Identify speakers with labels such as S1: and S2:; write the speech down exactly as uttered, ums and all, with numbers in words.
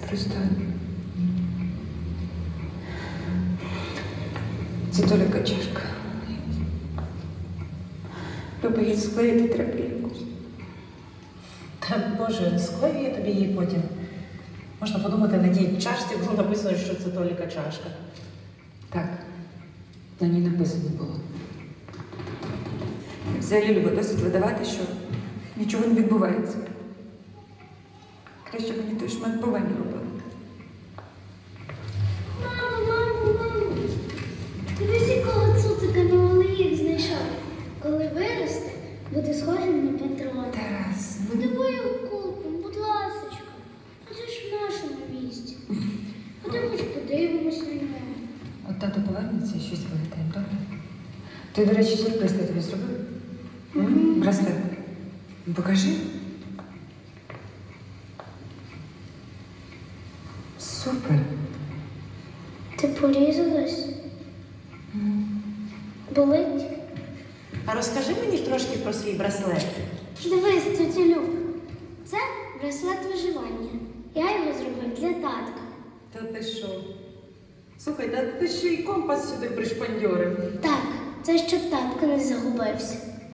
S1: Просто це Толіка чашка. Люба, її склеїти треба якось.
S2: Та Боже, склею я тобі її потім. Можна подумати, на тій чашці було написано, що це Толіка чашка.
S1: Так, на ній написано було. Взагалі, Люба, досить видавати, що нічого не відбувається. Краще мені той шмат повинні робити.
S3: Мамо, мамо, мамо, дивись, якого цуцика новолиїв знайшов. Коли виросте, буде схожим на патрона.
S1: Тарас, ну
S3: Подивай купом, будь ласочка. А це ж в нашому місті. Ходимо хоч подивимось на нього.
S1: от тато повернеться і щось вигадає, добре? Ти, до речі, сюрприз я тобі зробив? М? Браслет. Покажи. Супер.
S3: Ти порізалась? Болить?
S2: А розкажи мені трошки про свій браслет.
S3: Дивись, тетя Люб. Це браслет виживання. Я його зробив для татка.
S2: Та ти що? Слухай, та ти ще й компас сюди пришпандьорив.
S3: Так, це щоб татко не загубився.